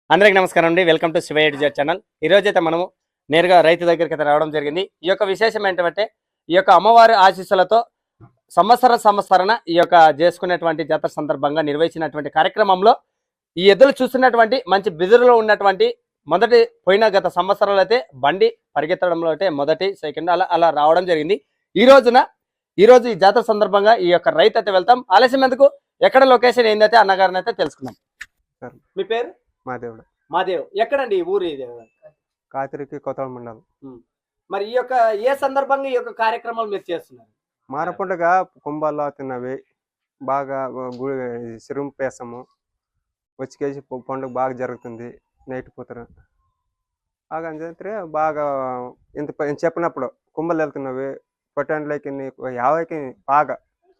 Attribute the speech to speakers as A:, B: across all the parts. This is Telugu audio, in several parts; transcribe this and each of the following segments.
A: అందరికి నమస్కారం అండి. Welcome to Shiva educate channel. ఈ రోజైతే మనము నేరుగా రైతు దగ్గరికి అయితే రావడం జరిగింది. ఈ యొక్క విశేషం ఏంటంటే ఈ యొక్క అమ్మవారి ఆశీస్సులతో సంవత్సరన ఈ యొక్క చేసుకునేటువంటి జాతర సందర్భంగా నిర్వహించినటువంటి కార్యక్రమంలో ఈ ఎద్దులు చూస్తున్నటువంటి మంచి బిదురులో ఉన్నటువంటి మొదటి పోయిన గత సంవత్సరాలు అయితే బండి పరిగెత్తడంలో అయితే మొదటి సెకండ్ అలా రావడం జరిగింది. ఈ రోజు ఈ జాతర సందర్భంగా ఈ యొక్క రైతు అయితే వెళ్తాం. ఆలస్యం ఎందుకు, ఎక్కడ లొకేషన్ ఏందైతే అన్నగారిని అయితే తెలుసుకుందాం. మీ పేరు? మాదేవ్. ఎక్కడండి ఊరు? ఇది
B: కాతిరికి కొత్త మండలం.
A: మరి ఈ యొక్క ఏ సందర్భంగా ఈ యొక్క కార్యక్రమాలు మీరు చేస్తున్నారు?
B: మారపండుగ కుంభాల్లో తిన్నవి బాగా సిరుము పేసము వచ్చి పండుగ బాగా జరుగుతుంది. నైట్ పూతరు బాగా బాగా ఇంత చెప్పినప్పుడు కుంభలు వెళ్తున్నవి పొట్టండ్లకి యాభైకి బాగా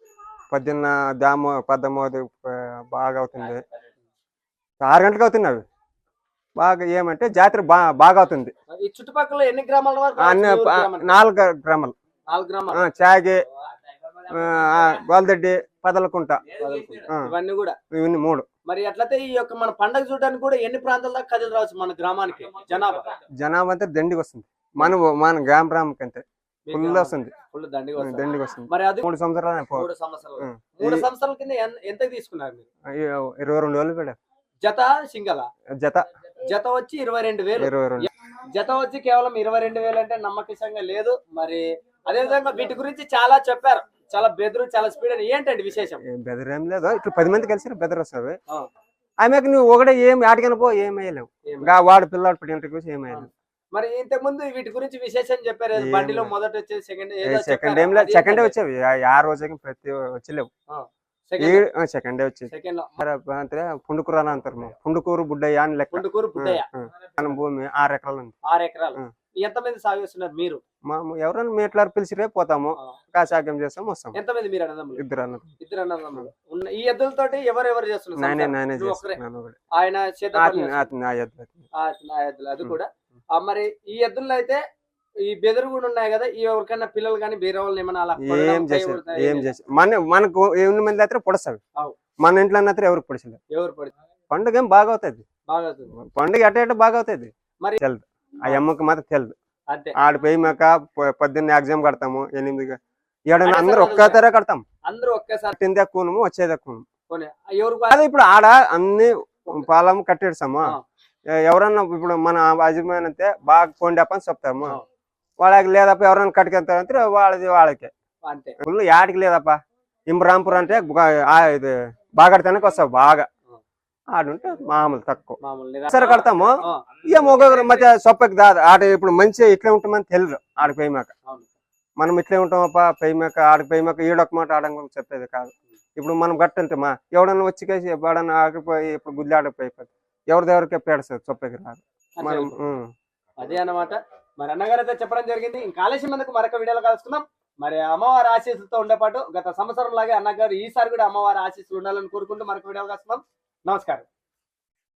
B: 18 బాగా అవుతుంది. 6 గంటలకు అవుతున్నవి బాగా. ఏమంటే జాతర బాగా అవుతుంది.
A: ఈ చుట్టుపక్కల ఎన్ని గ్రామాల?
B: 4 గ్రామాలు. చాగే, గోల్దడ్డి, పదలకుంట,
A: ఇవన్నీ కూడా
B: 3.
A: మరి అట్లయితే ఈ యొక్క మన పండుగ చూడడానికి కూడా ఎన్ని ప్రాంతాల దాకా కదిలి రావచ్చు మన గ్రామానికి?
B: జనాభా అంతా దండికి వస్తుంది. మన గ్రామానికి అంతే ఫుల్ వస్తుంది. దండికి వస్తుంది.
A: మరి అది
B: 3 సంవత్సరాలు.
A: 3 సంవత్సరాల కింద ఎంత తీసుకున్నారు మీరు?
B: 22 వేలు పెట్టారు.
A: జత సింగల? జత వచ్చి 22,000. జత వచ్చి కేవలం 22,000 అంటే నమ్మకంగా లేదు. మరి అదే విధంగా వీటి గురించి చాలా చెప్పారు. చాలా బెదురు, చాలా స్పీడ్ అని. ఏంటండి విశేషం?
B: బెదర్ ఏం లేదు. ఇట్లా 10 మంది కలిసి బెదర్ వస్తావి. ఆమెకు నువ్వు ఒకటే ఏం ఆటకన పో ఏమయ్యలేవు. వాడు పిల్లాడు పట్టిన చూసి ఏమయ్యలేవు.
A: మరి ఇంతకు ముందు వీటి గురించి విశేషం చెప్పారు. బండిలో మొదట వచ్చేది
B: సెకండ్ వచ్చేవి. ఆ రోజు ప్రతి వచ్చలేవు. సెకండ్ డే వచ్చేది. పుండుకూరు అని అంటారు. పుండుకూరు బుడ్డయ్య అని లెక్క. భూమి 6 ఎకరాలు ఉంది.
A: 6 ఎకరాలు. ఎంతమంది సాగు చేస్తున్నారు మీరు?
B: ఎవరైనా మీట్లా పిలిచిరే పోతాము, కాసాగ్యం చేస్తాము, వస్తాము.
A: ఎంతమంది మీరు అన్నదమ్ములు?
B: 2 అన్నదమ్ములు.
A: 2 అన్నదమ్ములు. ఈ ఎద్దులతోటి ఎవరెవరు చేస్తున్నారు?
B: నేనే
A: ఆయన అది కూడా. మరి ఈ ఎద్దుల్లో అయితే ఈ బెదరు కూడా ఉన్నాయి కదా, ఈ ఎవరికైనా పిల్లలు కానీ బీర వాళ్ళని ఏమన్నా అలా
B: ఏం చేసి మనకు 8 మంది అయితే పొడస్తావి. మన ఇంట్లో ఎవరికి పొడిచలేదు.
A: ఎవరు పొడి
B: పండుగ ఏం బాగా అవుతుంది. పండుగ ఎట బాగా అవుతుంది.
A: మరి
B: తెలుదు ఆ అమ్మకి మాత్రం తెలుదు. ఆడిపోయి మాక 18 ఎగ్జామ్ కడతాము. 8 7 అందరూ ఒక్కసారి కడతాం.
A: అందరూ ఒక్కసారి
B: తిందే కూనము వచ్చేదే కూనము. ఇప్పుడు ఆడ అన్ని పాలం కట్టేస్తాము. ఎవరన్నా ఇప్పుడు మన యజమాని అయితే బాగా కొండపని చెప్తాము. వాళ్ళకి లేదప్ప ఎవరైనా కట్టుకెళ్తారంటే వాళ్ళకే ఫుల్ యాడికి లేదప్ప. ఇంబ్రాంపూర్ అంటే ఇది బాగా కడతానికి వస్తావు. బాగా ఆడుంటే మామూలు తక్కువ సరే కడతాము. ఏం ఒక్కొక్కరు మధ్య సొప్పకి దాదు ఆడ. ఇప్పుడు మంచిగా ఇట్లే ఉంటామని తెలుసు. ఆడికి పోయిమాక మనం ఇట్లే ఉంటామప్ప. పోయిమాక ఆడికి పోయిమాక ఈడొక మాట ఆడక చెప్పేది కాదు. ఇప్పుడు మనం గట్టంటే ఎవడన్నా వచ్చి కేసి ఎవడన్నా ఆడిపోయి ఇప్పుడు గుద్ది ఆడకపోయిపోతుంది. ఎవరిదెవరికే పేడస్తారు సొప్పకి రాదు. మనం
A: అదే అన్నమాట. మరి అన్నగారు అయితే చెప్పడం జరిగింది. ఇంకా ఆలస్యం ఎందుకు, మరొక వీడియోలో కలుసుకుందాం. మరి అమ్మవారి ఆశీస్సులతో ఉండేపాటు గత సంవత్సరం లాగే అన్నగారు ఈసారి కూడా అమ్మవారి ఆశీస్సులు ఉండాలని కోరుకుంటూ మరొక వీడియోలో కలుసుకుందాం. నమస్కారం.